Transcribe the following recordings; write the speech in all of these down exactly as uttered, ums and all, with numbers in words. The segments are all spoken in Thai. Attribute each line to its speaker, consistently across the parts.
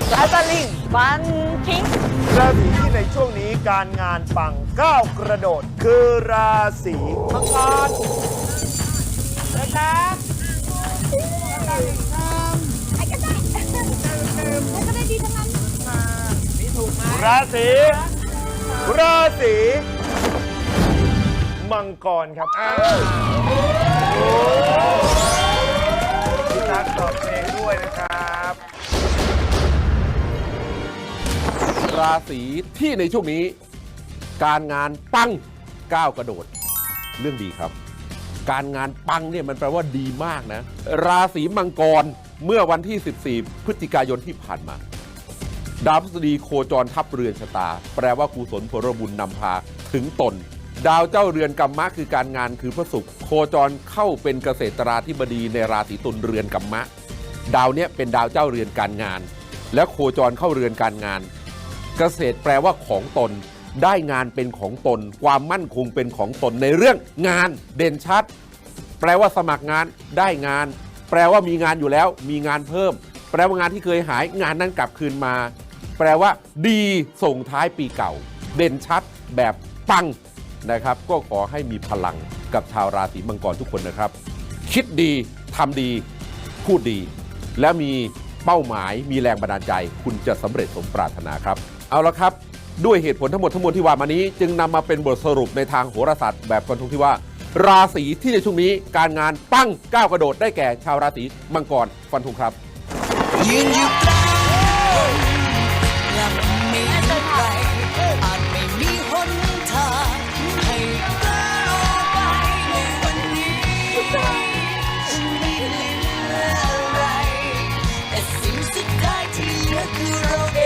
Speaker 1: อัลตาลิงฟันทิ้ง
Speaker 2: ราศีที่ในช่วงนี้การงานปังก้าวกระโดดคือราศีมังกรนะครับราศีราศีมังกรครับพี่ตั๊กตอบเพลงด้วยนะครับ
Speaker 3: ราศีที่ในช่วงนี้การงานปังก้าวกระโดดเรื่องดีครับการงานปังเนี่ยมันแปลว่าดีมากนะราศีมังกรเมื่อวันที่สิบสี่พฤศจิกายนที่ผ่านมาดาวพฤหัสบดีโคจรทับเรือนชะตาแปลว่ากุศลผลบุญนำพาถึงตนดาวเจ้าเรือนกัมมะคือการงานคือพระศุกร์โคจรเข้าเป็นเกษตราธิบดีในราศีตุลเรือนกัมมะดาวเนี้ยเป็นดาวเจ้าเรือนการงานและโคจรเข้าเรือนการงานเกษตรแปลว่าของตนได้งานเป็นของตนความมั่นคงเป็นของตนในเรื่องงานเด่นชัดแปลว่าสมัครงานได้งานแปลว่ามีงานอยู่แล้วมีงานเพิ่มแปลว่างานที่เคยหายงานนั้นกลับคืนมาแปลว่าดีส่งท้ายปีเก่าเด่นชัดแบบปังนะครับก็ขอให้มีพลังกับชาวราศีมังกรทุกคนนะครับคิดดีทำดีพูดดีและมีเป้าหมายมีแรงบันดาลใจคุณจะสำเร็จสมปรารถนาครับเอาละครับด้วยเหตุผลทั้งหมดทั้งมวลที่ว่ามานี้จึงนำมาเป็นบทสรุปในทางโหราศาสตร์แบบฟันธงที่ว่าราศีที่ในช่วงนี้การงานปั้งก้าวกระโดดได้แก่ชาวราศีมังกรฟันธงครับยืนอยู่กลางและไม่มีใครอาจไม่มีหนทางให้ก้าวไปในวันนี้ฉันไม่เหลืออะไรแต่สิ่งสุดท้ายที่เหลือคือเราเอง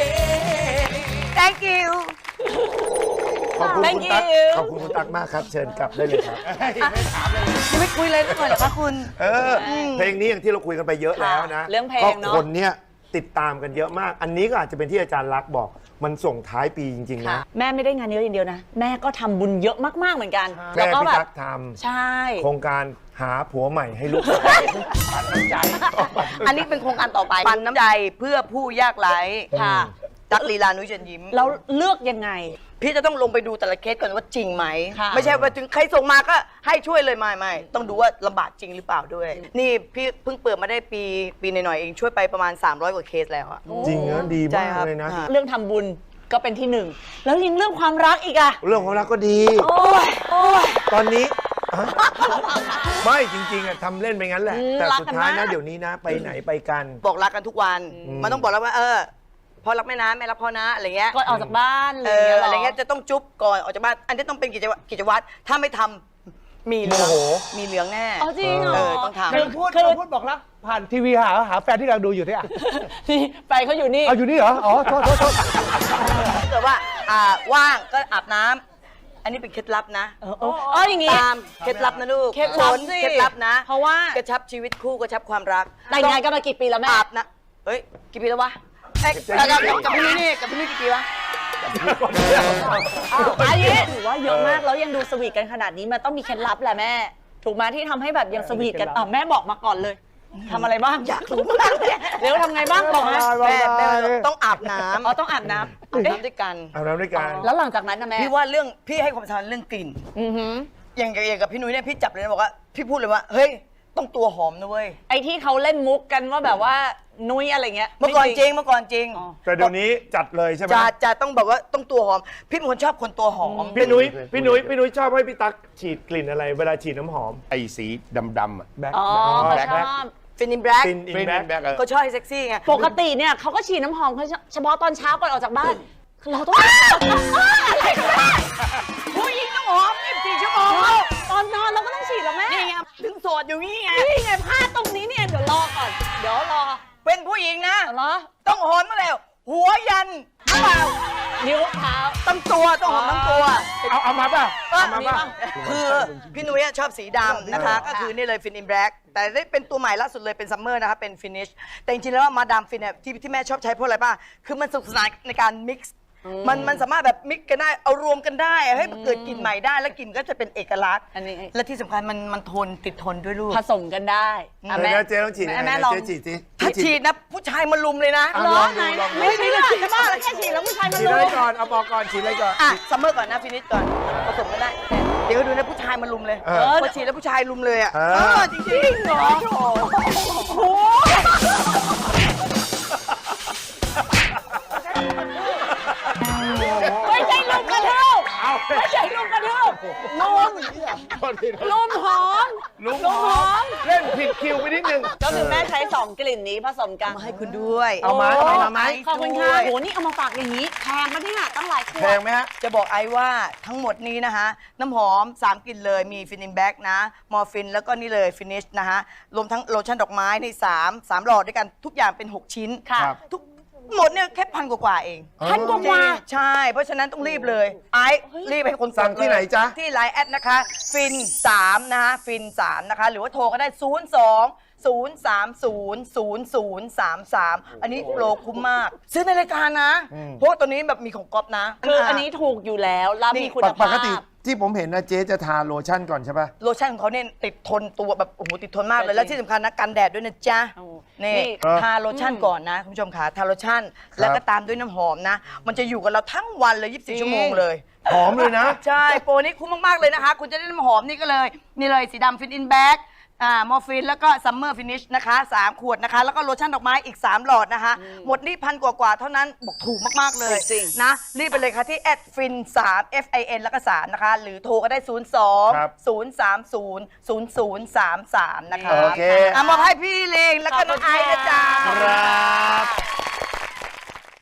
Speaker 1: thank you
Speaker 2: ขอบคุณคุณตั๊กขอบคุณคุณตั๊กมากครับเชิญกลับได้เลยครับไม่ถามเลย
Speaker 1: ไม่คุยเลยก่อนเหรอคะคุณ
Speaker 2: เออเพลงนี้อย่างที่เราคุยกันไปเยอะแล้วนะ
Speaker 1: เรื่องเพลงเนาะ
Speaker 2: คนเนี้ยติดตามกันเยอะมากอันนี้ก็อาจจะเป็นที่อาจารย์ลักษณ์บอกมันส่งท้ายปีจริงๆนะ
Speaker 1: แม่ไม่ได้งานเยอะอย่างเดียวนะแม่ก็ทำบุญเยอะมากๆเหมือนกัน
Speaker 2: แม่พี่ตั๊กท
Speaker 1: ำใช่
Speaker 2: โครงการหาผัวใหม่ให้ลูกปันน้ำใจ
Speaker 4: อันนี้เป็นโครงการต่อไปปันน้ำใจเพื่อผู้ยากไร้ค่ะตั๊กลีลานุ้ยเชิญยิ้ม
Speaker 1: เราเลือกยังไง
Speaker 4: พี่จะต้องลงไปดูแต่ละเคสก่อนว่าจริงไหมไม่ใช่ว่าถึงใครส่งมาก็ให้ช่วยเลยไม่ไม่ต้องดูว่าลำบากจริงหรือเปล่าด้วยนี่พี่เพิ่งเปิดมาได้ปีปีหน่อยๆเองช่วยไปประมาณสามร้อยกว่าเคสแล้วอะ
Speaker 2: จริงนะดีมากเลยนะ
Speaker 1: เรื่องทำบุญก็เป็นที่หนึ่งแล้วยังเรื่องความรักอีกอะ
Speaker 2: เรื่องความรักก็ดีตอนนี้ไม่จริงๆอะทำเล่นไปงั้นแหละแต่สุดท้ายนะเดี๋ยวนี้นะไปไหนไปกัน
Speaker 4: บอกรักกันทุกวันมันต้องบอกแล้วว่าเออพ่อรักแม่นะแม่รักพ่อนะอะไรเงี้ย
Speaker 1: ก่อนออกจากบ้าน
Speaker 4: เอออะไรเงี้ยจะต้องจุ๊บก่อนออกจากบ้านอันนี้ต้องเป็นกิจวัตรกิจวัตรถ้าไม่ทำมีเหลืองมีเหลืองแน่
Speaker 1: อ๋อจริงเหรอ
Speaker 4: ต้องทำ
Speaker 5: คือพูดคือพูดบอกรักผ่านทีวีหาหาแฟนที่กำลังดูอยู่ที่อ่ะ
Speaker 1: นี่แฟนเขาอยู่นี่
Speaker 5: เอาอยู่นี่เหรออ๋อโทษโทษโทษ
Speaker 4: ถ้าเกิดว่าอ่าว่างก็อาบน้ำอันนี้เป็นเคล็ดลับนะ
Speaker 1: อ๋ออย่างงี้
Speaker 4: ตามเคล็ดลับนะลูก
Speaker 1: เคล็ดลับสิ
Speaker 4: เคล็ดลับนะ
Speaker 1: เพราะว่าก
Speaker 4: ระชับชีวิตคู่กระชับความรัก
Speaker 1: แต่งงานกันมากี่ปีแล้วแม่
Speaker 4: อาบนะเฮ้ยกี่ปีแล้ววะกับกับพี่นี่กับพี่นี่กี่ปีวะ
Speaker 1: อันนี้ถือว่าเยอะมากแล้วยังดูสวีทกันขนาดนี้มันต้องมีเคล็ดลับแหละแม่ถูกไหมที่ทำให้แบบยังสวีทกันอ่ะแม่บอกมาก่อนเลยทำอะไรบ้าง
Speaker 4: อยากรู้มาก
Speaker 1: เดี๋ยวทำไงบ้างบอกนะ
Speaker 4: แม่แม่ต้องอาบน้ำ
Speaker 1: อ๋อต้องอาบน้ำ
Speaker 4: อาบน้ำด้วยกัน
Speaker 2: อาบน้ำด้วยกัน
Speaker 1: แล้วหลังจากนั้นนะแม่
Speaker 4: พี่ว่าเรื่องพี่ให้ความสำคัญเรื่องกลิ่นอย่างอย่างกับพี่นุ้ยเนี่ยพี่จับเลยนะบอกว่าพี่พูดเลยว่าเฮ้ยต้องตัวหอมนะเว้ย
Speaker 1: ไอ้ที่เขาเล่นมุกกันว่าแบบว่านุ้ยอะไรเงี้ย
Speaker 4: เมื่อก่อนจริงเมื่อก่อนจริง
Speaker 2: แต่เดี๋ยวนี้จัดเลยใช่ไหม
Speaker 4: จะจะต้องแบบว่าต้องตัวหอมพี่เป็นคนชอบคนตัวหอม
Speaker 2: พี่นุ้ยพี่นุ้ยพี่นุ้ยชอบให้พี่ตั๊กฉีดกลิ่นอะไรเวลาฉีดน้ำหอม
Speaker 3: ไอ้สีดำๆอ่ะ
Speaker 2: แบ็ค
Speaker 1: อ๋อ
Speaker 2: แบ็ค
Speaker 4: ฟินอินแบล็ก
Speaker 2: ฟินอินแบล็ก
Speaker 4: เขาชอบเซ็กซี่ไง
Speaker 1: ปกติเนี่ยเขาก็ฉีดน้ำหอมเฉพาะตอนเช้าก่อนออกจากบ้านเราต้องอะไรกันแม่
Speaker 4: ผู้หญิงต้องหอมยี่สิบสี่ชั่วโมง
Speaker 1: ตอนนอนเราก็ต้องฉีดแล้วแม่
Speaker 4: นี่ไงถึงโสดอยู่นี่ไง
Speaker 1: นี่ไงพลาดตรงนี้เนี่ยเดี๋ยวรอก่อนเดี๋ยวรอ
Speaker 4: เป็นผู้หญิงนะ
Speaker 1: เหรอ
Speaker 4: ต้องหอมมาแล้วหัวยันเท้า
Speaker 1: นิ้วเท้า
Speaker 4: ตั้งตัวต้องหอมทั้งตัว
Speaker 2: เอาเอามาป่ะเอามาป่ะ
Speaker 4: คือพี่นุ้ยชอบสีดำนะคะก็คือนี่เลยฟินอินแบล็กแต่ได้เป็นตัวใหม่ล่าสุดเลยเป็นซัมเมอร์นะคะเป็นฟินิชแต่จริงๆแล้วมาดามฟินเนี่ยที่ที่แม่ชอบใช้เพราะอะไรป่ะคือมันสนุกสนานในการมิกซ์มันมันสามารถแบบมิกกันได้เอารวมกันได้ให้มันเกิดกลิ่นใหม่ได้แล้วกลิ่นก็จะเป็นเอกลักษณ์
Speaker 1: อันนี้
Speaker 4: และที่สำคัญมันมันทนติดทนด้วยลูก
Speaker 1: ผสมกันได้อ่ะ
Speaker 2: เดี๋
Speaker 1: แม่
Speaker 2: ยวนะเจ๊ต้องฉีดยังไง
Speaker 1: แม่
Speaker 2: นะ
Speaker 1: ลอง
Speaker 2: เจ๊ฉีดสิ
Speaker 4: ถ้าฉีดนะผู้ชายมาลุมเลยนะ
Speaker 2: อ่ะ
Speaker 1: เหร
Speaker 2: ล
Speaker 1: อ
Speaker 2: อง
Speaker 1: ไหน
Speaker 2: ดูลองดู
Speaker 1: ไม่ใช่เรื่องจะบ้าแล้วแค่ฉีดแล้วผู้ชายมัน
Speaker 2: ฉีด
Speaker 1: รู้
Speaker 2: อะไรก่อนเอาบอกก่อนฉีดอะไรก่อน
Speaker 4: อ่ะซัมเมอร์ก่อนนะฟินิชก่อนผสมกันได้เดี๋ยวดูนะผู้ชายมาลุมเลย
Speaker 2: เออ
Speaker 4: พอฉีดแล้วผู้ชายลุมเลยอ่ะ
Speaker 2: เออ
Speaker 4: เออจริงจริงเหรอ
Speaker 1: โอ้ไม่ใช่ลุมกระเทืบไม่ใช่ลุมกระเทืบลุมลุมหอม
Speaker 2: ลุง
Speaker 1: ลุม
Speaker 2: ห
Speaker 1: ห
Speaker 2: อ
Speaker 1: อ
Speaker 2: ม
Speaker 1: ม
Speaker 2: เล่นผิดคิวไปนิดนึง
Speaker 1: ก็คือแม่ใช้สองกลิ่นนี้ผสมกัน
Speaker 4: มาให้คุณด้วย
Speaker 2: เอามาเอามาไหม
Speaker 1: ขอบคุณค่ะโหนี่เอามาฝากอย่างนี้แพงปะเนี่ยตั้งหลายขว
Speaker 2: แพ
Speaker 1: ด
Speaker 2: งไหมฮะ
Speaker 4: จะบอกไอ้ว่าทั้งหมดนี้นะคะน้ำหอมสามกลิ่นเลยมีฟินินแบ็กนะมอร์ฟินแล้วก็นี่เลยฟินิชนะคะรวมทั้งโลชั่นดอกไม้ในสามสามหลอดด้วยกันทุกอย่างเป็นหกชิ้น
Speaker 1: ค่ะ
Speaker 2: ครับ
Speaker 4: ทุกหมดเนี่ยแค่พันกว่าๆเอง
Speaker 1: พันกว่า
Speaker 4: ใช่ เพราะฉะนั้นต้องรีบเลย ไอ้รีบให้คน
Speaker 2: สั่งที่ไหนจ๊ะ
Speaker 4: ที่ไลน์แอดนะคะ ฟินสามนะคะฟินสามนะคะ หรือว่าโทรก็ได้ ศูนย์ สอง ศูนย์ สาม ศูนย์ ศูนย์ ศูนย์ สาม สาม อันนี้โปรคุ้มมาก ซื้อในรายการนะ เพราะว่าตัวนี้แบบมีของก๊อฟนะ
Speaker 1: คืออันนี้ถูกอยู่แล้วแล้วมีคุณ
Speaker 2: ป
Speaker 1: ภาพ
Speaker 2: กติที่ผมเห็นนะเจ๊จะทาโลชั่นก่อนใช่ป่ะ
Speaker 4: โลชั่นของเขาเนี่ยติดทนตัวแบบโอ้โหติดทนมากเลย
Speaker 1: จริง
Speaker 4: แล้วที่สำคัญนะกันแดดด้วยนะจ๊ะ
Speaker 1: โอ้
Speaker 4: นี่
Speaker 1: นี่
Speaker 4: ทาโลชั่นก่อนนะคุณผู้ชมค่ะทาโลชั่น แล้วก็ตามด้วยน้ำหอมนะ มันจะอยู่กับเราทั้งวันเลย ยี่สิบสี่ ชั่วโมงเลย
Speaker 2: หอมเลยนะ
Speaker 4: ใช่ โปรนี้คุ้มมาก ๆ เลยนะคะ คุณจะได้น้ำหอมนี่ก็เลย นี่เลยสีดำฟินอินแบ็กอ่ามอร์ฟินแล้วก็ซัมเมอร์ฟินิชนะคะสามขวดนะคะ แล้วก็โลชั่นดอกไม้อีก สาม หลอดนะคะ หมดนี่พันกว่าๆเท่านั้นบอกถูกมาก ๆ เลย
Speaker 1: จริง
Speaker 4: นะ รีบไปเลยค่ะที่แอดฟินสาม F I N แล้วก็สามนะคะ หรือโทรก็ได้ ศูนย์ สอง
Speaker 2: ครับ
Speaker 4: ศูนย์ สาม ศูนย์ ศูนย์ ศูนย์ สาม สาม นะคะ
Speaker 2: โอเค
Speaker 4: อ่ะมอบให้พี่เลงแล้วก็น้องไอซ์นะจ๊ะ
Speaker 2: ครับ